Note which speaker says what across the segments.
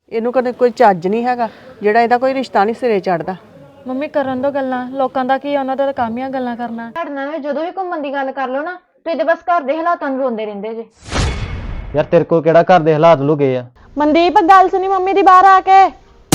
Speaker 1: ਇਹਨੂੰ ਕਦੇ ਕੋਈ ਚੱਜ ਨਹੀਂ ਹੈਗਾ ਜਿਹੜਾ ਇਹਦਾ ਕੋਈ ਰਿਸ਼ਤਾ ਨਹੀਂ ਸਿਰੇ ਚੜਦਾ।
Speaker 2: ਮੰਮੀ ਕਰਨ ਦੋ ਗੱਲਾਂ, ਲੋਕਾਂ ਦਾ ਕੀ, ਉਹਨਾਂ ਦਾ ਤਾਂ ਕੰਮ ਹੀ ਆ ਗੱਲਾਂ ਕਰਨਾ।
Speaker 3: ਤੁਹਾਡੇ ਨਾਲ ਜਦੋਂ ਵੀ ਘੁੰਮਣ ਦੀ ਗੱਲ ਕਰ ਲਓ ਨਾ, ਤੁਸੀਂ ਤੇ ਬਸ ਘਰ ਦੇ ਹਾਲਾਤਾਂ ਨੂੰ ਰੋਂਦੇ ਰਹਿੰਦੇ ਜੇ।
Speaker 4: ਯਾਰ ਤੇਰੇ ਕੋਲ ਕਿਹੜਾ ਘਰ ਦੇ ਹਾਲਾਤ ਲੁਕੇ ਆ?
Speaker 2: ਮਨਦੀਪ ਗੱਲ ਸੁਣੀ ਮੰਮੀ ਦੀ ਬਾਹਰ ਆ ਕੇ।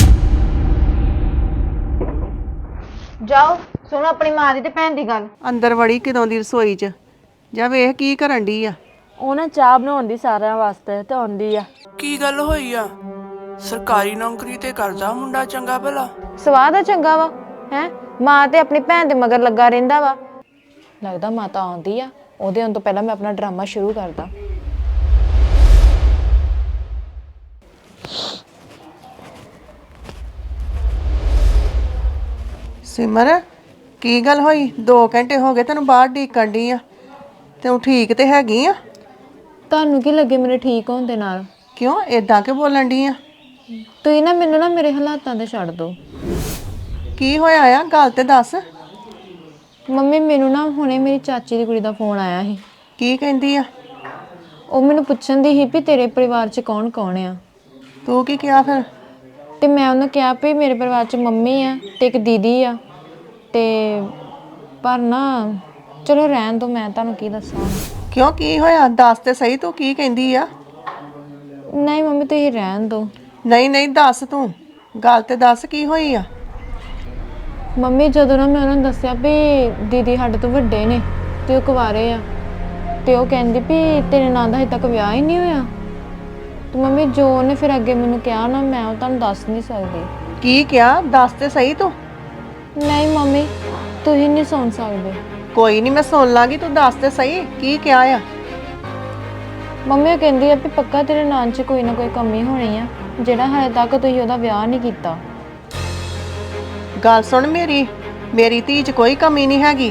Speaker 3: ਜਾਓ ਸੁਣੋ ਆਪਣੀ ਮਾਂ ਦੀ ਤੇ ਭੈਣ ਦੀ ਗੱਲ।
Speaker 1: ਅੰਦਰ ਵੜੀ ਕਿਦੋਂ ਦੀ ਰਸੋਈ 'ਚ, ਜਾਂ ਵੇਖ ਕੀ ਕਰਨ ਡਈ ਆ।
Speaker 2: ਉਹ ਨਾ ਚਾਹ ਬਣਾਉਣ ਦੀ ਸਾਰਿਆਂ ਵਾਸਤੇ ਤੇ ਆਉਂਦੀ ਆ।
Speaker 5: ਕੀ ਗੱਲ ਹੋਈ ਆ? ਸਰਕਾਰੀ ਨੌਕਰੀ ਤੇ ਕਰਦਾ ਮੁੰਡਾ ਚੰਗਾ ਭਲਾ।
Speaker 3: ਸਵਾਦ ਆ ਚੰਗਾ ਵਾ ਹੈ, ਮਾਂ ਤੇ ਆਪਣੀ ਭੈਣ ਦੇ ਮਗਰ ਲੱਗਾ ਰਹਿੰਦਾ ਵਾ। ਲੱਗਦਾ ਮਾਤਾ ਆਉਂਦੀ ਆ, ਉਹਦੇ ਆਉਣ ਤੋਂ ਪਹਿਲਾਂ ਮੈਂ ਆਪਣਾ ਡਰਾਮਾ ਸ਼ੁਰੂ ਕਰਦਾ।
Speaker 1: ਸਿਮਰ ਕੀ ਗੱਲ ਹੋਈ? 2 ਘੰਟੇ ਹੋ ਗਏ ਤੈਨੂੰ ਬਾਹਰ ਢੀਕਣ ਡਈ ਆ, ਤੂੰ ਠੀਕ ਤੇ ਹੈਗੀ ਆ?
Speaker 3: ਤੁਹਾਨੂੰ ਕੀ ਲੱਗੇ ਮੇਰੇ ਠੀਕ ਹੋਣ ਦੇ ਨਾਲ?
Speaker 1: ਕਿਉਂ ਏਦਾਂ ਕਿ ਬੋਲਣ ਡਈ ਆ?
Speaker 3: ਤੁਸੀਂ ਨਾ ਮੈਨੂੰ ਨਾ ਮੇਰੇ ਹਾਲਾਤਾਂ ਤੇ ਛੱਡ ਦਿਓ।
Speaker 1: ਕੀ ਹੋਇਆ ਆ, ਗੱਲ ਤੇ ਦੱਸ।
Speaker 3: ਮੰਮੀ ਮੈਨੂੰ ਨਾ ਹੁਣੇ ਮੇਰੀ ਚਾਚੀ ਦੀ ਕੁੜੀ ਦਾ ਫੋਨ ਆਇਆ ਸੀ।
Speaker 1: ਕੀ ਕਹਿੰਦੀ ਆ?
Speaker 3: ਉਹ ਮੈਨੂੰ ਪੁੱਛਣ ਦੀ ਸੀ ਵੀ ਤੇਰੇ ਪਰਿਵਾਰ 'ਚ ਕੌਣ ਕੌਣ ਆ।
Speaker 1: ਤੂੰ ਕੀ ਕਿਹਾ ਫਿਰ?
Speaker 3: ਤੇ ਮੈਂ ਉਹਨੂੰ ਕਿਹਾ ਵੀ ਮੇਰੇ ਪਰਿਵਾਰ 'ਚ ਮੰਮੀ ਆ ਤੇ ਇੱਕ ਦੀਦੀ ਆ, ਤੇ ਪਰ ਨਾ ਚਲੋ ਰਹਿਣ ਦੋ, ਮੈਂ ਤੁਹਾਨੂੰ ਕੀ ਦੱਸਾਂ।
Speaker 1: ਕਿਉਂ ਕੀ ਹੋਇਆ ਦੱਸ ਤੇ ਸਹੀ, ਤੂੰ ਕੀ ਕਹਿੰਦੀ ਆ?
Speaker 3: ਨਹੀਂ ਮੰਮੀ ਤੁਸੀਂ ਰਹਿਣ ਦੋ।
Speaker 1: ਨਹੀਂ ਨਹੀਂ ਦੱਸ, ਤੂੰ ਗੱਲ ਤੇ ਦੱਸ ਕੀ ਹੋਈ ਆ।
Speaker 3: ਮੰਮੀ ਜਦੋਂ ਨਾ ਮੈਂ ਉਹਨਾਂ ਨੂੰ ਦੱਸਿਆ ਵੀ ਦੀਦੀ ਸਾਡੇ ਤੋਂ ਵੱਡੇ ਨੇ ਤੇ ਉਹ ਕੁਆਰੇ ਆ, ਤੇ ਉਹ ਕਹਿੰਦੀ ਵੀ ਤੇਰੇ ਨਾਂ ਦਾ ਹਜੇ ਤੱਕ ਵਿਆਹ ਹੀ ਨਹੀਂ ਹੋਇਆ। ਤੇ ਮੰਮੀ ਜੋ ਉਹਨੇ ਫਿਰ ਅੱਗੇ ਮੈਨੂੰ ਕਿਹਾ ਨਾ, ਮੈਂ ਉਹ ਤੁਹਾਨੂੰ ਦੱਸ ਨਹੀਂ ਸਕਦੀ।
Speaker 1: ਕੀ ਕਿਹਾ ਦੱਸ ਤੇ ਸਹੀ ਤੂੰ।
Speaker 3: ਨਹੀਂ ਮੰਮੀ ਤੁਸੀਂ ਨਹੀਂ ਸੁਣ ਸਕਦੇ।
Speaker 1: ਕੋਈ ਨਹੀਂ ਮੈਂ ਸੁਣ ਲਾਂਗੀ, ਤੂੰ ਦੱਸ ਤੇ ਸਹੀ ਕੀ ਕਿਹਾ ਆ।
Speaker 3: ਮੰਮੀ ਉਹ ਕਹਿੰਦੀ ਆ ਵੀ ਪੱਕਾ ਤੇਰੇ ਨਾਂ 'ਚ ਕੋਈ ਨਾ ਕੋਈ ਕਮੀ ਹੋਣੀ ਆ, ਜਿਹੜਾ ਹਜੇ ਤੱਕ ਤੁਸੀਂ ਉਹਦਾ ਵਿਆਹ ਨਹੀਂ ਕੀਤਾ।
Speaker 1: ਗੱਲ ਸੁਣ ਮੇਰੀ ਧੀ 'ਚ ਕੋਈ ਕਮੀ ਨਹੀਂ ਹੈਗੀ।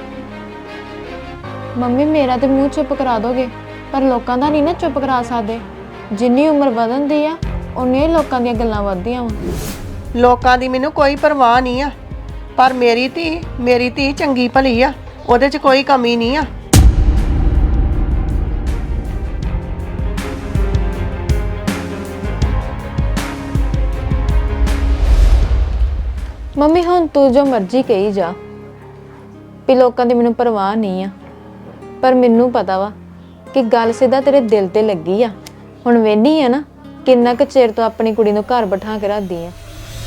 Speaker 3: ਮੰਮੀ ਮੇਰਾ ਤੇ ਮੂੰਹ ਚੁੱਪ ਕਰਾ ਦੋਗੇ, ਪਰ ਲੋਕਾਂ ਦਾ ਨਹੀਂ ਨਾ ਚੁੱਪ ਕਰਾ ਸਕਦੇ। ਜਿੰਨੀ ਉਮਰ ਵਧਦੀ ਆ ਉਨੀਆਂ ਹੀ ਲੋਕਾਂ ਦੀਆਂ ਗੱਲਾਂ ਵੱਧਦੀਆਂ ਵਾ।
Speaker 1: ਲੋਕਾਂ ਦੀ ਮੈਨੂੰ ਕੋਈ ਪਰਵਾਹ ਨਹੀਂ ਆ, ਪਰ ਮੇਰੀ ਧੀ ਚੰਗੀ ਭਲੀ ਆ, ਉਹਦੇ 'ਚ ਕੋਈ ਕਮੀ ਨਹੀਂ ਆ।
Speaker 3: ਮੰਮੀ ਹੁਣ ਤੂੰ ਜੋ ਮਰਜ਼ੀ ਕਹੀ ਜਾ ਵੀ ਲੋਕਾਂ ਦੀ ਮੈਨੂੰ ਪਰਵਾਹ ਨਹੀਂ ਆ, ਪਰ ਮੈਨੂੰ ਪਤਾ ਵਾ ਕਿ ਗੱਲ ਸਿੱਧਾ ਤੇਰੇ ਦਿਲ ਤੇ ਲੱਗੀ ਆ। ਹੁਣ ਵੇਹਨੀ ਆ ਨਾ ਕਿੰਨਾ ਕੁ ਚਿਰ ਤੋਂ ਆਪਣੀ ਕੁੜੀ ਨੂੰ ਘਰ ਬਿਠਾ ਕੇ ਰੱਖਦੀ ਆ।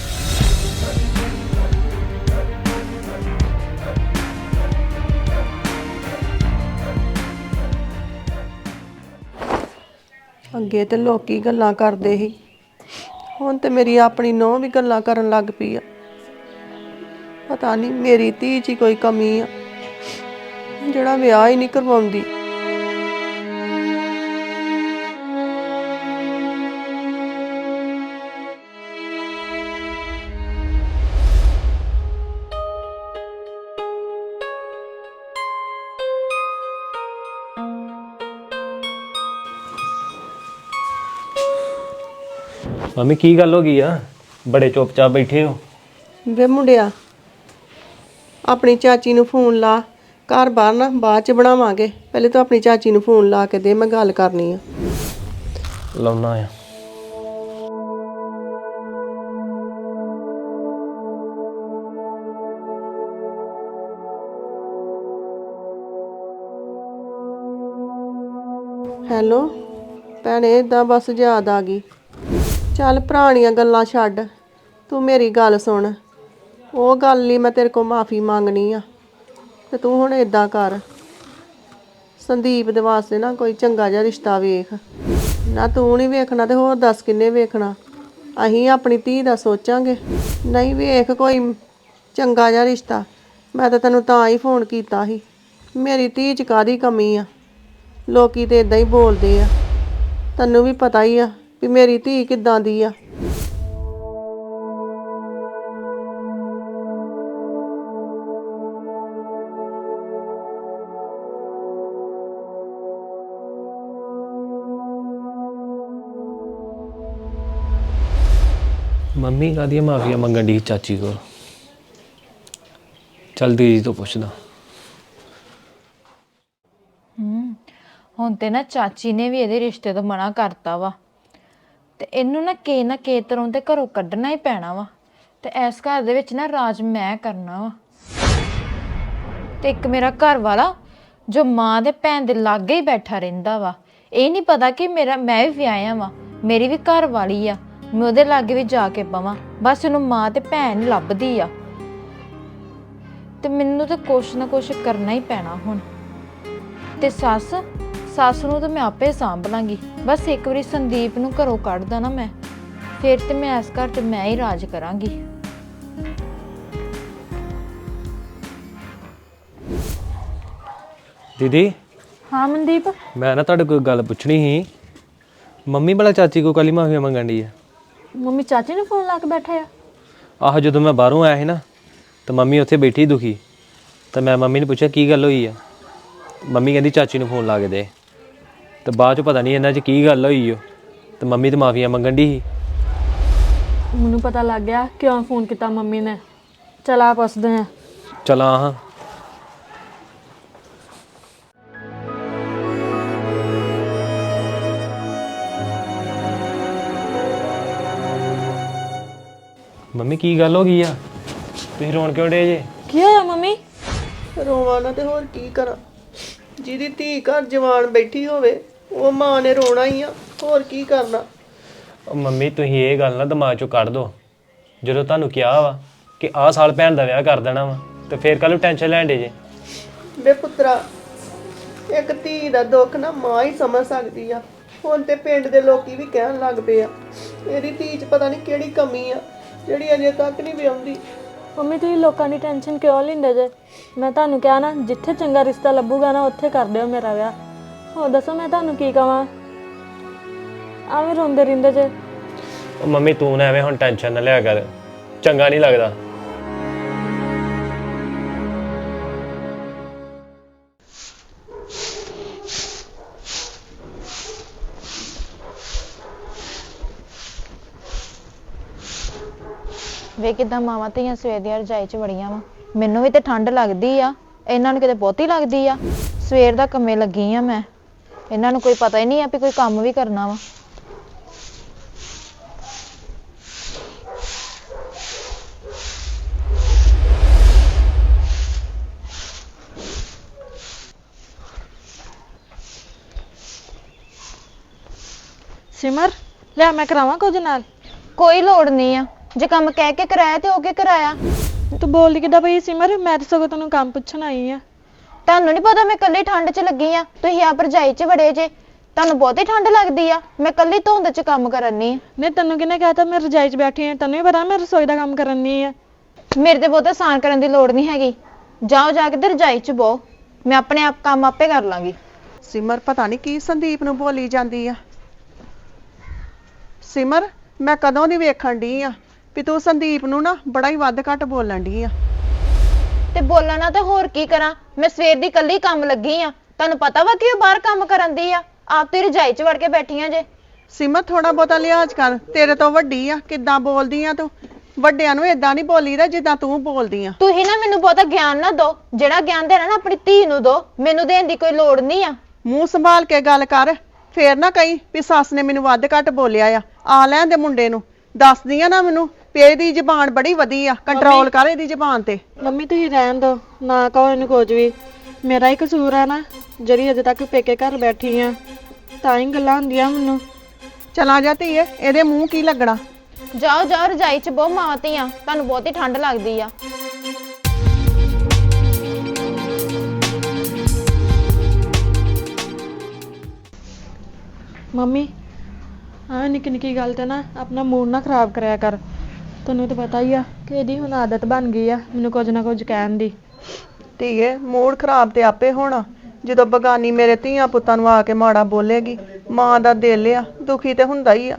Speaker 1: ਅੱਗੇ ਤੇ ਲੋਕੀ ਗੱਲਾਂ ਕਰਦੇ ਸੀ, ਹੁਣ ਤੇ ਮੇਰੀ ਆਪਣੀ ਨੂੰਹ ਵੀ ਗੱਲਾਂ ਕਰਨ ਲੱਗ ਪਈ ਆ। ਪਤਾ ਨਹੀਂ ਮੇਰੀ ਧੀ 'ਚ ਹੀ ਕੋਈ ਕਮੀ ਆ ਜਿਹੜਾ ਵਿਆਹ ਹੀ ਨਹੀਂ ਕਰਵਾਉਂਦੀ।
Speaker 4: ਮੰਮੀ ਕੀ ਗੱਲ ਹੋ ਗਈ ਆ? ਬੜੇ ਚੁੱਪਚਾਪ ਬੈਠੇ ਹੋ।
Speaker 1: ਵੇ ਮੁੰਡਿਆ, ਆਪਣੀ ਚਾਚੀ ਨੂੰ ਫੋਨ ਲਾ, ਘਰ ਬਾਹਰ ਨਾ ਬਾਅਦ 'ਚ ਬਣਾਵਾਂਗੇ, ਪਹਿਲੇ ਤੂੰ ਆਪਣੀ ਚਾਚੀ ਨੂੰ ਫੋਨ ਲਾ ਕੇ ਦੇ, ਮੈਂ ਗੱਲ ਕਰਨੀ ਆ।
Speaker 4: ਲਾਉਣਾ ਆ।
Speaker 1: ਹੈਲੋ ਭੈਣੇ, ਏਦਾਂ ਬਸ ਯਾਦ ਆ ਗਈ। ਚੱਲ ਪੁਰਾਣੀਆਂ ਗੱਲਾਂ ਛੱਡ, ਤੂੰ ਮੇਰੀ ਗੱਲ ਸੁਣ। ਉਹ ਗੱਲ ਲਈ ਮੈਂ ਤੇਰੇ ਕੋਲ ਮਾਫੀ ਮੰਗਣੀ ਆ, ਤੇ ਤੂੰ ਹੁਣ ਏਦਾਂ ਕਰ, ਸੰਦੀਪ ਦੇ ਵਾਸਤੇ ਨਾ ਕੋਈ ਚੰਗਾ ਜਿਹਾ ਰਿਸ਼ਤਾ ਵੇਖ। ਨਾ ਤੂੰ ਨਹੀਂ ਵੇਖਣਾ ਤੇ ਹੋਰ ਦੱਸ ਕਿੰਨੇ ਵੇਖਣਾ। ਅਸੀਂ ਆਪਣੀ ਧੀ ਦਾ ਸੋਚਾਂਗੇ। ਨਹੀਂ ਵੇਖ ਕੋਈ ਚੰਗਾ ਜਿਹਾ ਰਿਸ਼ਤਾ। ਮੈਂ ਤਾਂ ਤੈਨੂੰ ਤਾਂ ਹੀ ਫੋਨ ਕੀਤਾ ਸੀ, ਮੇਰੀ ਧੀ 'ਚ ਕਾਹਦੀ ਕਮੀ ਆ। ਲੋਕੀ ਤੇ ਇਦਾਂ ਹੀ ਬੋਲਦੇ ਆ, ਤੈਨੂੰ ਵੀ ਪਤਾ ਹੀ ਆ ਵੀ ਮੇਰੀ ਧੀ ਕਿੱਦਾਂ ਦੀ ਆ।
Speaker 4: ਮੰਮੀ ਕਾਹਦੀਆਂ ਮਾਫੀਆਂ ਮੰਗਣ ਦੀ ਚਾਚੀ ਕੋਲ? ਚੱਲ ਦੀਦੀ ਤੋਂ ਪੁੱਛਦਾ।
Speaker 3: ਹੁਣ ਤੇ ਨਾ ਚਾਚੀ ਨੇ ਵੀ ਇਹਦੇ ਰਿਸ਼ਤੇ ਤੋਂ ਮਨਾ ਕਰਤਾ ਵਾ।
Speaker 2: ਤੇ ਇਹਨੂੰ ਨਾ ਕੇ ਤਰ੍ਹਾਂ ਤੇ ਘਰੋਂ ਕੱਢਣਾ ਹੀ ਪੈਣਾ ਵਾ ਤੇ ਇਸ ਘਰ ਦੇ ਵਿੱਚ ਨਾ ਰਾਜ ਮੈਂ ਕਰਨਾ ਵਾ। ਤੇ ਇੱਕ ਮੇਰਾ ਘਰ ਵਾਲਾ ਜੋ ਮਾਂ ਦੇ ਭੈਣ ਦੇ ਲਾਗੇ ਹੀ ਬੈਠਾ ਰਹਿੰਦਾ ਵਾ, ਇਹ ਨਹੀਂ ਪਤਾ ਕਿ ਮੈਂ ਵੀ ਵਿਆਹਿਆ ਵਾ, ਮੇਰੀ ਵੀ ਘਰ ਵਾਲੀ ਆ, ਮੈਂ ਉਹਦੇ ਲਾਗੇ ਵੀ ਜਾ ਕੇ ਪਵਾਂ। ਬਸ ਇਹਨੂੰ ਮਾਂ ਤੇ ਭੈਣ ਲੱਭਦੀ ਆ ਤੇ ਮੈਨੂੰ ਤਾਂ ਕੁਛ ਨਾ ਕੁਛ ਕਰਨਾ ਹੀ ਪੈਣਾ ਹੁਣ। ਤੇ ਸੱਸ ਨੂੰ ਤਾਂ ਮੈਂ ਆਪੇ ਸਾਂਭ ਲਾਂਗੀ। ਬਸ ਇੱਕ ਵਾਰੀ ਸੰਦੀਪ ਨੂੰ ਘਰੋਂ ਕੱਢਦਾ ਨਾ ਮੈਂ, ਫਿਰ ਤੇ ਮੈਂ ਇਸ ਘਰ 'ਚ ਮੈਂ ਹੀ ਰਾਜ ਕਰਾਂਗੀ।
Speaker 4: ਦੀਦੀ
Speaker 2: ਹਾਂ ਮਨਦੀਪ,
Speaker 4: ਮੈਂ ਨਾ ਤੁਹਾਡੇ ਕੋਈ ਗੱਲ ਪੁੱਛਣੀ ਸੀ। ਮੰਮੀ ਭਲਾ ਚਾਚੀ ਕੋ ਕੱਲੀ ਮਾਫੀ ਮੰਗਣ ਦੀ ਆ?
Speaker 2: ਮੰਮੀ ਚਾਚੀ ਨੂੰ ਫੋਨ ਲਾ ਕੇ ਬੈਠੇ ਆ?
Speaker 4: ਆਹੋ, ਜਦੋਂ ਮੈਂ ਬਾਹਰੋਂ ਆਇਆ ਸੀ ਨਾ ਤਾਂ ਮੰਮੀ ਉੱਥੇ ਬੈਠੀ ਦੁਖੀ, ਤਾਂ ਮੈਂ ਮੰਮੀ ਨੂੰ ਪੁੱਛਿਆ ਕੀ ਗੱਲ ਹੋਈ ਆ। ਮੰਮੀ ਕਹਿੰਦੀ ਚਾਚੀ ਨੂੰ ਫੋਨ ਲਾ ਕੇ ਦੇ। ਤੇ ਬਾਅਦ 'ਚ ਪਤਾ ਨਹੀਂ ਇਹਨਾਂ 'ਚ ਕੀ ਗੱਲ ਹੋਈ ਓ, ਤੇ ਮੰਮੀ ਤੇ ਮਾਫੀਆਂ ਮੰਗਣ ਦੀ ਸੀ।
Speaker 2: ਮੈਨੂੰ ਪਤਾ ਲੱਗ ਗਿਆ ਕਿਉਂ ਫੋਨ ਕੀਤਾ ਮੰਮੀ ਨੇ। ਚਲ ਆ ਪੁੱਛਦੇ ਆ।
Speaker 4: ਚਲਾਂ ਹਾਂ। ਮੰਮੀ ਕੀ ਗੱਲ ਹੋ ਗਈ ਆ? ਤੁਸੀਂ ਰੋਣ ਕਿਉਂ ਡੇ ਜੇ?
Speaker 2: ਕੀ ਹੋਇਆ ਮੰਮੀ?
Speaker 1: ਰੋਵਾਂ ਨਾ ਤੇ ਹੋਰ ਕੀ ਕਰਾਂ। ਜਿਹਦੀ ਧੀ ਘਰ ਜਵਾਨ ਬੈਠੀ ਹੋਵੇ ਉਹ ਮਾਂ ਨੇ ਰੋਣਾ ਹੀ ਆ, ਹੋਰ ਕੀ ਕਰਨਾ।
Speaker 4: ਉਹ ਮੰਮੀ ਤੁਸੀਂ ਇਹ ਗੱਲ ਨਾ ਦਿਮਾਗ 'ਚੋਂ ਕੱਢ ਦਿਓ। ਜਦੋਂ ਤੁਹਾਨੂੰ ਕਿਹਾ ਵਾ ਕਿ ਆਹ ਸਾਲ ਭੈਣ ਦਾ ਵਿਆਹ ਕਰ ਦੇਣਾ ਵਾ, ਤੇ ਫੇਰ ਕੱਲ ਨੂੰ ਟੈਨਸ਼ਨ ਲੈਣ ਡੇ ਜੇ।
Speaker 1: ਵੇ ਪੁੱਤਰਾ, ਇੱਕ ਧੀ ਦਾ ਦੁੱਖ ਨਾ ਮਾਂ ਹੀ ਸਮਝ ਸਕਦੀ ਆ। ਹੁਣ ਤੇ ਪਿੰਡ ਦੇ ਲੋਕੀ ਵੀ ਕਹਿਣ ਲੱਗ ਪਏ ਆ ਇਹਦੀ ਧੀ 'ਚ ਪਤਾ ਨਹੀਂ ਕਿਹੜੀ ਕਮੀ ਆ ਜਿਹੜੀ ਅਜੇ ਤੱਕ ਨਹੀਂ ਵਿਆਹੁੰਦੀ।
Speaker 2: ਮੰਮੀ ਤੁਸੀਂ ਲੋਕਾਂ ਦੀ ਟੈਨਸ਼ਨ ਕਿਉਂ ਲੈਂਦੇ ਜੇ? ਮੈਂ ਤੁਹਾਨੂੰ ਕਿਹਾ ਨਾ, ਜਿੱਥੇ ਚੰਗਾ ਰਿਸ਼ਤਾ ਲੱਭੂਗਾ ਨਾ ਉੱਥੇ ਕਰ ਦਿਓ ਮੇਰਾ ਵਿਆਹ। ਹੋਰ ਦੱਸੋ ਮੈਂ ਤੁਹਾਨੂੰ ਕੀ ਕਵਾਂ? ਆਵੇਂ ਰੋਂਦੇ ਰਹਿੰਦੇ ਜੇ।
Speaker 4: ਉਹ ਮੰਮੀ ਤੂੰ ਨਾ ਐਵੇਂ ਹੁਣ ਟੈਨਸ਼ਨ ਨਾ ਲਿਆ ਕਰ, ਚੰਗਾ ਨਹੀਂ ਲੱਗਦਾ।
Speaker 3: ਵੇ ਕਿਦਾਂ ਮਾਵਾਂ ਧੀਆਂ ਸਵੇਰ ਦੀਆਂ ਰਜਾਈ 'ਚ ਵੜੀਆਂ ਵਾ। ਮੈਨੂੰ ਵੀ ਤੇ ਠੰਡ ਲੱਗਦੀ ਆ, ਇਹਨਾਂ ਨੂੰ ਕਿਤੇ ਬਹੁਤੀ ਲੱਗਦੀ ਆ। ਸਵੇਰ ਦਾ ਕੰਮੇ ਲੱਗੀ ਆ ਮੈਂ, ਇਹਨਾਂ ਨੂੰ ਕੋਈ ਪਤਾ ਹੀ ਨਹੀਂ ਆ ਵੀ ਕੋਈ ਕੰਮ ਵੀ ਕਰਨਾ ਵਾ।
Speaker 2: ਸਿਮਰ ਲੈ ਮੈਂ ਕਰਾਵਾਂ ਕੁਝ ਨਾਲ?
Speaker 3: ਕੋਈ ਲੋੜ ਨਹੀਂ ਆ, ਜੇ ਕੰਮ ਕਹਿ ਕੇ ਕਰਾਇਆ ਤੇ ਉਹ ਕੇ ਕਰਾਇਆ।
Speaker 2: ਤੂੰ ਬੋਲਦੀ ਕਿੱਦਾਂ ਪਈ ਸਿਮਰ? ਮੈਂ ਤਾਂ ਸਗੋਂ ਤੈਨੂੰ ਕੰਮ ਪੁੱਛਣ ਆਈ ਆ।
Speaker 3: ਤੁਹਾਨੂੰ ਨਹੀਂ ਪਤਾ ਮੈਂ ਕੱਲੀ ਠੰਡ 'ਚ ਲੱਗੀ ਆ, ਤੁਸੀਂ ਆਪ ਰਜਾਈ 'ਚ ਵੜੇ ਜੇ। ਤੁਹਾਨੂੰ ਬਹੁਤੀ ਠੰਡ ਲੱਗਦੀ ਆ, ਮੈਂ ਕੱਲੀ ਧੁੰਦ 'ਚ ਕੰਮ ਕਰਨੀ ਆ।
Speaker 2: ਨਹੀਂ ਤੈਨੂੰ ਕਿਹਨੇ ਕਹਿਤਾ ਮੈਂ ਰਜਾਈ 'ਚ ਬੈਠੀ ਆ? ਤੈਨੂੰ ਵੀ ਪਤਾ ਮੈਂ ਰਸੋਈ ਦਾ ਕੰਮ ਕਰਨੀ ਆ।
Speaker 3: ਮੇਰੇ ਤੇ ਬਹੁਤਾ ਆਸਾਨ ਕਰਨ ਦੀ ਲੋੜ ਨਹੀਂ ਹੈਗੀ। ਜਾਓ ਜਾ ਕੇ ਤੇ ਰਜਾਈ 'ਚ ਬਹੋ, ਮੈਂ ਆਪਣੇ ਆਪ ਕੰਮ ਆਪੇ ਕਰ ਲਾਂਗੀ।
Speaker 1: ਸਿਮਰ ਪਤਾ ਨਹੀਂ ਕੀ ਸੰਦੀਪ ਨੂੰ ਬੋਲੀ ਜਾਂਦੀ ਆ। ਸਿਮਰ, ਮੈਂ ਕਦੋਂ ਦੀ ਵੇਖਣ ਡਈ ਆ ਵੀ ਤੂੰ ਸੰਦੀਪ ਨੂੰ ਨਾ ਬੜਾ ਹੀ ਵੱਧ ਘੱਟ ਬੋਲਣ ਡਈ ਆ।
Speaker 3: ਤੇ ਬੋਲਾਂ ਨਾ ਤੇ ਹੋਰ ਕੀ ਕਰਾਂ? ਮੈਂ ਸਵੇਰ ਦੀ ਕੱਲੀ ਕੰਮ ਲੱਗੀ ਆ। ਤੁਹਾਨੂੰ ਪਤਾ ਵਾ ਕਿ ਉਹ ਬਾਹਰ ਕੰਮ ਕਰਨ ਦੀ ਆ, ਆਪ ਤੇ ਰਜਾਈ 'ਚ ਵੜ ਕੇ ਬੈਠੀਆਂ ਜੇ।
Speaker 1: ਸਿਮਰ ਥੋੜਾ ਬਹੁਤਾ ਲਿਹਾਜ਼ ਕਰ, ਤੇਰੇ ਤੋਂ ਵੱਡੀ ਆ, ਕਿੱਦਾਂ ਬੋਲਦੀ ਆ ਤੂੰ? ਵੱਡਿਆਂ ਨੂੰ ਏਦਾਂ ਨਹੀਂ ਬੋਲੀਦਾ ਜਿੱਦਾਂ ਤੂੰ ਬੋਲਦੀ ਆ।
Speaker 3: ਤੁਸੀਂ ਨਾ ਮੈਨੂੰ ਬਹੁਤਾ ਗਿਆਨ ਨਾ ਦਿਓ। ਜਿਹੜਾ ਗਿਆਨ ਦੇਣਾ ਨਾ ਆਪਣੀ ਧੀ ਨੂੰ ਦਿਓ, ਮੈਨੂੰ ਦੇਣ ਦੀ ਕੋਈ ਲੋੜ ਨਹੀਂ ਆ।
Speaker 1: ਮੂੰਹ ਸੰਭਾਲ ਕੇ ਗੱਲ ਕਰ, ਫੇਰ ਨਾ ਕਹੀਂ ਵੀ ਸੱਸ ਨੇ ਮੈਨੂੰ ਵੱਧ ਘੱਟ ਬੋਲਿਆ ਆ ਲੈਣ ਦੇ ਮੁੰਡੇ ਨੂੰ। ਦੱਸਦੀ ਆ ਨਾ ਮੈਨੂੰ ਵੀ ਇਹਦੀ ਜ਼ਬਾਨ ਬੜੀ ਵਧੀ ਆ, ਕੰਟਰੋਲ ਕਰ ਇਹਦੀ ਜ਼ਬਾਨ ਤੇ।
Speaker 2: ਮੰਮੀ ਤੁਸੀਂ ਰਹਿਣ ਦਿਓ, ਨਾ ਕਹੋ ਇਹਨੂੰ ਕੁਝ ਵੀ। ਮੇਰਾ ਹੀ ਕਸੂਰ ਆ ਨਾ, ਜਿਹੜੀ ਅਜੇ ਤੱਕ ਪੇਕੇ ਘਰ ਬੈਠੀ ਆ, ਤਾਂ ਹੀ ਗੱਲਾਂ ਹੁੰਦੀਆਂ ਮੈਨੂੰ।
Speaker 1: ਚਲਾ ਜਾ ਧੀਏ, ਇਹਦੇ ਮੂੰਹ ਕੀ ਲੱਗਣਾ।
Speaker 3: ਜਾਓ ਜਾਓ ਰਜਾਈ 'ਚ ਬਹੁਤ ਮਾਵਾਂ ਧੀਆਂ, ਤੁਹਾਨੂੰ ਬਹੁਤੀ ਠੰਡ ਲੱਗਦੀ ਆ।
Speaker 2: ਮੰਮੀ ਆ ਨਿੱਕੀ ਨਿੱਕੀ ਗੱਲ ਤੇ ਨਾ ਆਪਣਾ ਮੂਡ ਨਾ ਖਰਾਬ ਕਰਿਆ ਕਰ। ਤੁਹਾਨੂੰ ਤਾਂ ਪਤਾ ਹੀ ਆ ਕਿ ਇਹਦੀ ਹੁਣ ਆਦਤ ਬਣ ਗਈ ਆ ਮੈਨੂੰ ਕੁਝ ਨਾ ਕੁਝ ਕਹਿਣ ਦੀ।
Speaker 1: ਧੀਏ, ਮੂਡ ਖਰਾਬ ਤੇ ਆਪੇ ਹੋਣਾ ਜਦੋਂ ਬਗਾਨੀ ਮੇਰੇ ਧੀਆਂ ਪੁੱਤਾਂ ਨੂੰ ਆ ਕੇ ਮਾੜਾ ਬੋਲੇਗੀ। ਮਾਂ ਦਾ ਦਿਲ ਆ, ਦੁਖੀ ਤੇ ਹੁੰਦਾ ਹੀ ਆ।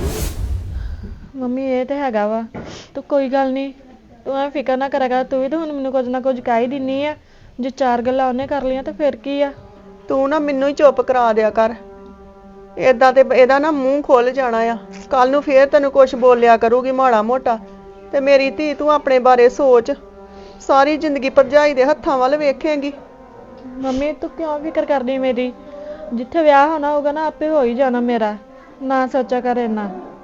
Speaker 2: ਮੰਮੀ ਇਹ ਤੇ ਹੈਗਾ ਵਾ, ਤੂੰ ਕੋਈ ਗੱਲ ਨਹੀਂ, ਤੂੰ ਐ ਫਿਕਰ ਨਾ ਕਰਿਆ ਕਰ। ਤੂੰ ਵੀ ਤਾਂ ਹੁਣ ਮੈਨੂੰ ਕੁਝ ਨਾ ਕੁਝ ਕਹਿ ਹੀ ਦਿੰਨੀ ਆ। ਜੇ ਚਾਰ ਗੱਲਾਂ ਉਹਨੇ ਕਰ ਲਈਆਂ ਤਾਂ ਫਿਰ ਕੀ ਆ?
Speaker 1: ਤੂੰ ਨਾ ਮੈਨੂੰ ਹੀ ਚੁੱਪ ਕਰਾ ਦਿਆ ਕਰ। ਏਦਾਂ ਤੇ ਇਹਦਾ ਨਾ ਮੂੰਹ ਖੁੱਲ ਜਾਣਾ ਆ। ਕੱਲ ਨੂੰ ਫੇਰ ਤੈਨੂੰ ਕੁਝ ਬੋਲਿਆ ਕਰੂਗੀ ਮਾੜਾ ਮੋਟਾ। ਤੇ ਮੇਰੀ ਧੀ, ਤੂੰ ਆਪਣੇ ਬਾਰੇ ਸੋਚ। ਸਾਰੀ ਜ਼ਿੰਦਗੀ ਭਰਜਾਈ ਦੇ ਹੱਥਾਂ ਵੱਲ ਵੇਖੇਂਗੀ।
Speaker 2: ਮੰਮੀ ਤੂੰ ਕਿਉਂ ਫਿਕਰ ਕਰਦੀ ਮੇਰੀ? ਜਿੱਥੇ ਵਿਆਹ ਹੋਣਾ ਹੋਊਗਾ ਨਾ ਆਪੇ ਹੋ ਹੀ ਜਾਣਾ ਮੇਰਾ। ਨਾ ਸੋਚਿਆ ਕਰ ਇੰਨਾ।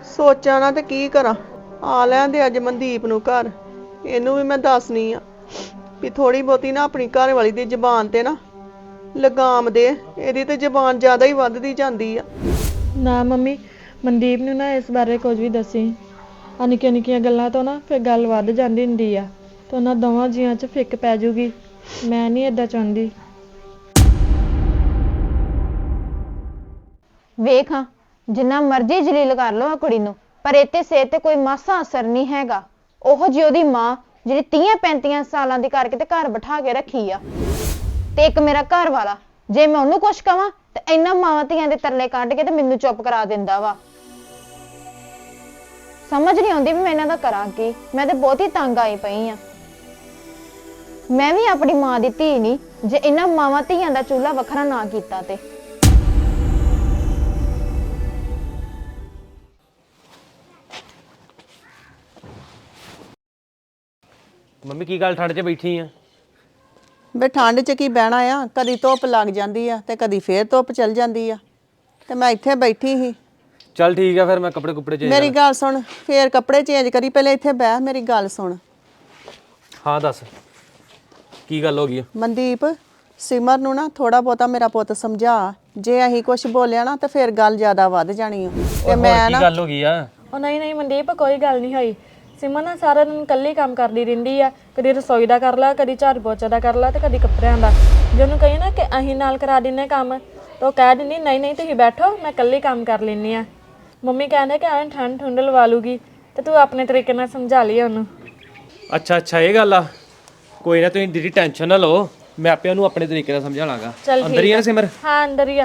Speaker 1: ਸੋਚਾਂ ਨਾ ਤੇ ਕੀ ਕਰਾਂ। ਆ ਲੈਂਦੇ ਅੱਜ ਮਨਦੀਪ ਨੂੰ ਘਰ, ਇਹਨੂੰ ਵੀ ਮੈਂ ਦੱਸਣੀ ਆ ਵੀ ਥੋੜੀ ਬਹੁਤੀ ਨਾ ਆਪਣੀ ਘਰ ਵਾਲੀ ਦੀ ਜ਼ਬਾਨ ਤੇ ਨਾ ਲਗਾਮ ਦੇ। ਇਹਦੀ ਤੇ ਜ਼ਬਾਨ ਜ਼ਿਆਦਾ ਹੀ ਵੱਧਦੀ ਜਾਂਦੀ ਆ।
Speaker 3: ਨਾ ਮੰਮੀ, ਮਨਦੀਪ ਨੂੰ ਨਾ ਇਸ ਬਾਰੇ ਕੁਝ ਵੀ ਦੱਸੀ। ਆ ਨਿੱਕੀਆਂ ਨਿੱਕੀਆਂ ਗੱਲਾਂ ਤੋਂ ਨਾ ਫਿਰ ਗੱਲ ਵੱਧ ਜਾਂਦੀ ਹੁੰਦੀ ਆ ਤੇ ਉਹਨਾਂ ਦੋਵਾਂ ਜੀਆਂ 'ਚ ਫਿੱਕ ਪੈ ਜੂਗੀ। ਮੈਂ ਨਹੀਂ ਏਦਾਂ ਚਾਹੁੰਦੀ।
Speaker 2: ਵੇਖ ਹਾਂ, ਜਿੰਨਾ ਮਰਜ਼ੀ ਜਲੀਲ ਕਰ ਲਓ ਆ ਕੁੜੀ ਨੂੰ, ਪਰ ਇੱਥੇ ਸਿਹਤ ਤੇ ਕੋਈ ਮਾਸਾ ਅਸਰ ਨਹੀਂ ਹੈਗਾ। ਉਹੋ ਜਿਹੀ ਉਹਦੀ ਮਾਂ ਜਿਹੜੀ 30-35 ਸਾਲਾਂ ਦੀ ਕਰਕੇ ਤੇ ਘਰ ਬਿਠਾ ਕੇ ਰੱਖੀ ਆ, ਤੇ ਇੱਕ ਮੇਰਾ ਘਰ ਵਾਲਾ, ਜੇ ਮੈਂ ਉਹਨੂੰ ਕੁਛ ਕਵਾਂ ਤੇ ਇਹਨਾਂ ਮਾਵਾਂ ਧੀਆਂ ਦੇ ਤਰਲੇ ਕੱਢ ਕੇ ਤੇ ਮੈਨੂੰ ਚੁੱਪ ਕਰਾ ਦਿੰਦਾ ਵਾ। ਸਮਝ ਨਹੀਂ ਆਉਂਦੀ ਵੀ ਮੈਂ ਇਹਨਾਂ ਦਾ ਕਰਾਂ ਕੀ। ਮੈਂ ਤੇ ਬਹੁਤ ਹੀ ਤੰਗ ਆਈ ਪਈ ਆ। ਮੈਂ ਵੀ ਆਪਣੀ ਮਾਂ ਦੀ ਧੀ ਨਹੀਂ ਜੇ ਇਹਨਾਂ ਮਾਵਾਂ ਧੀਆਂ ਦਾ ਚੂल्हा ਵੱਖਰਾ ਨਾ ਕੀਤਾ ਤੇ।
Speaker 4: ਮੰਮੀ ਕੀ ਗੱਲ ਠੰਡ 'ਚ ਬੈਠੀ ਆ?
Speaker 1: ਬੇ ਠੰਡ 'ਚ ਕੀ ਬਹਿਣਾ ਆ, ਕਦੀ ਧੁੱਪ ਲੱਗ ਜਾਂਦੀ ਆ ਤੇ ਕਦੀ ਫੇਰ ਧੁੱਪ ਚਲ ਜਾਂਦੀ ਆ, ਤੇ ਮੈਂ ਇੱਥੇ ਬੈਠੀ ਸੀ।
Speaker 4: ਚੱਲ ਠੀਕ ਆ ਫਿਰ ਮੈਂ ਕੱਪੜੇ ਕੁੱਪੜੇ ਚੇਂਜ
Speaker 1: ਮੇਰੀ ਗੱਲ ਸੁਣ, ਫੇਰ ਕੱਪੜੇ ਚੇਂਜ ਕਰੀ, ਪਹਿਲੇ ਇੱਥੇ ਬਹਿ, ਮੇਰੀ ਗੱਲ ਸੁਣ।
Speaker 4: ਹਾਂ ਦੱਸ ਕੀ ਗੱਲ ਹੋ ਗਈ ਆ?
Speaker 1: ਮਨਦੀਪ, ਸਿਮਰ ਨੂੰ ਨਾ ਥੋੜਾ ਬਹੁਤਾ ਮੇਰਾ ਪੁੱਤ ਸਮਝਾ। ਜੇ ਅਸੀਂ ਕੁਝ ਬੋਲਿਆ ਨਾ ਤੇ ਫਿਰ ਗੱਲ ਜ਼ਿਆਦਾ ਵੱਧ ਜਾਣੀ ਆ। ਤੇ ਮੈਂ
Speaker 4: ਕੀ ਗੱਲ ਹੋ ਗਈ ਆ?
Speaker 3: ਉਹ ਨਹੀਂ ਮਨਦੀਪ, ਕੋਈ ਗੱਲ ਨਹੀਂ ਹੋਈ। ਸਿਮਰ ਨਾ ਸਾਰਾ ਦਿਨ ਇਕੱਲੀ ਕੰਮ ਕਰਦੀ ਰਹਿੰਦੀ ਆ। ਕਦੀ ਰਸੋਈ ਦਾ ਕਰ ਲਾ, ਕਦੀ ਝਾੜੂ ਪੋਚਾ ਦਾ ਕਰ ਲਾ, ਤੇ ਕਦੀ ਕੱਪੜਿਆਂ ਦਾ। ਜੇ ਉਹਨੂੰ ਕਹੀ ਨਾ ਕਿ ਅਸੀਂ ਨਾਲ ਕਰਾ ਦਿੰਨੇ ਕੰਮ, ਤਾਂ ਉਹ ਕਹਿ ਦਿੰਦੀ ਨਹੀਂ ਤੁਸੀਂ ਬੈਠੋ, ਮੈਂ ਇਕੱਲੀ ਕੰਮ ਕਰ ਲੈਂਦੀ ਆ। ਮੰਮੀ ਕਹਿੰਦੇ ਕਿ ਐਂ ਠੰਡ ਠੁੰਡ ਲਵਾ ਲੂਗੀ, ਤੇ ਤੂੰ ਆਪਣੇ ਤਰੀਕੇ ਨਾਲ ਸਮਝਾ ਲਈ ਉਹਨੂੰ।
Speaker 4: ਅੱਛਾ ਇਹ ਗੱਲ ਆ। ਕੋਈ ਨਾ, ਤੁਸੀਂ ਦੀਦੀ ਟੈਨਸ਼ਨ ਨਾ ਲਓ, ਮੈਂ ਆਪੇ ਉਹਨੂੰ ਆਪਣੇ ਤਰੀਕੇ ਨਾਲ ਸਮਝਾ ਲਾਂਗਾ। ਅੰਦਰ ਹੀ ਆ ਸਿਮਰ?
Speaker 3: ਹਾਂ ਅੰਦਰ ਹੀ ਆ।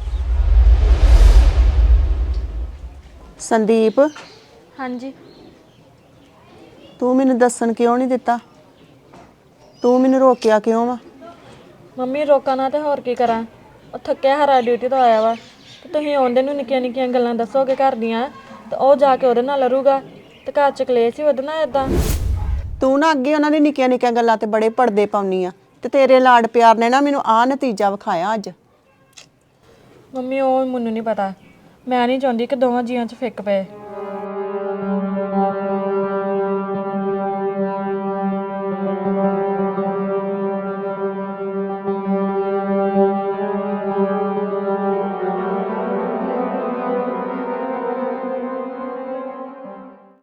Speaker 1: ਸੰਦੀਪ,
Speaker 3: ਹਾਂਜੀ।
Speaker 1: ਤੂੰ ਮੈਨੂੰ ਦੱਸਣ ਕਿਉਂ ਨਹੀਂ ਦਿੱਤਾ? ਤੂੰ ਮੈਨੂੰ ਰੋਕਿਆ ਕਿਉਂ ਵਾ?
Speaker 3: ਮੰਮੀ ਰੋਕਾਂ ਨਾ ਤੇ ਹੋਰ ਕੀ ਕਰਾਂ। ਉਹ ਥੱਕਿਆ ਹਾਰਾ ਡਿਊਟੀ ਤੋਂ ਆਇਆ ਵਾ, ਤੇ ਤੁਸੀਂ ਆਉਂਦੇ ਨੂੰ ਨਿੱਕੀਆਂ ਨਿੱਕੀਆਂ ਗੱਲਾਂ ਦੱਸੋਗੇ ਘਰ ਦੀਆਂ, ਤੇ ਉਹ ਜਾ ਕੇ ਉਹਦੇ ਨਾਲ ਲੜੂਗਾ, ਤੇ ਘਰ ਚ ਕਲੇਸ਼ ਹੀ ਵਧਣਾ ਏਦਾਂ।
Speaker 1: ਤੂੰ ਨਾ ਅੱਗੇ ਉਹਨਾਂ ਦੀ ਨਿੱਕੀਆਂ ਨਿੱਕੀਆਂ ਗੱਲਾਂ ਤੇ ਬੜੇ ਪਰਦੇ ਪਾਉਣੀ ਆ, ਤੇ ਤੇਰੇ ਲਾਡ ਪਿਆਰ ਨੇ ਨਾ ਮੈਨੂੰ ਆਹ ਨਤੀਜਾ ਵਿਖਾਇਆ ਅੱਜ।
Speaker 3: ਮੰਮੀ ਉਹ ਮੈਨੂੰ ਨਹੀਂ ਪਤਾ। ਮੈਂ ਨਹੀਂ ਚਾਹੁੰਦੀ ਕਿ ਦੋਵਾਂ ਜੀਆਂ 'ਚ ਫਿੱਕ ਪਏ।